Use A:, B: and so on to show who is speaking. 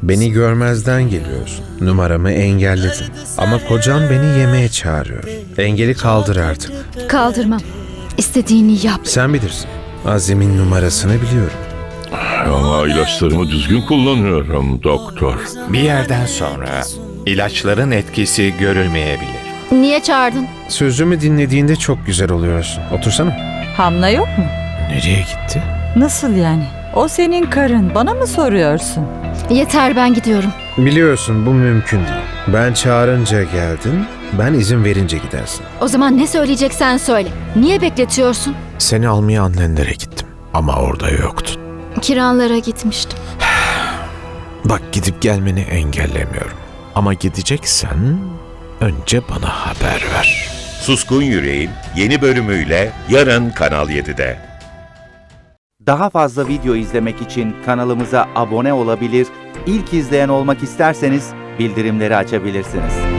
A: Beni görmezden geliyorsun. Numaramı engelledin. Ama kocan beni yemeğe çağırıyor. Engeli kaldır artık.
B: Kaldırmam. İstediğini yap.
A: Sen bilirsin. Azim'in numarasını biliyorum.
C: Ama ilaçlarımı düzgün kullanıyorum doktor.
D: Bir yerden sonra ilaçların etkisi görülmeyebilir.
B: Niye çağırdın?
A: Sözümü dinlediğinde çok güzel oluyorsun. Otursana.
E: Hamla yok mu?
A: Nereye gitti?
E: Nasıl yani? O senin karın. Bana mı soruyorsun?
B: Yeter, ben gidiyorum.
A: Biliyorsun bu mümkün değil. Ben çağırınca geldin, ben izin verince gidersin.
B: O zaman ne söyleyeceksen söyle. Niye bekletiyorsun?
A: Seni almaya annenlere gittim ama orada yoktun.
B: Kiranlara gitmiştim.
A: Bak gidip gelmeni engellemiyorum. Ama gideceksen önce bana haber ver.
F: Suskun Yüreğin yeni bölümüyle yarın Kanal 7'de.
G: Daha fazla video izlemek için kanalımıza abone olabilir, ilk izleyen olmak isterseniz bildirimleri açabilirsiniz.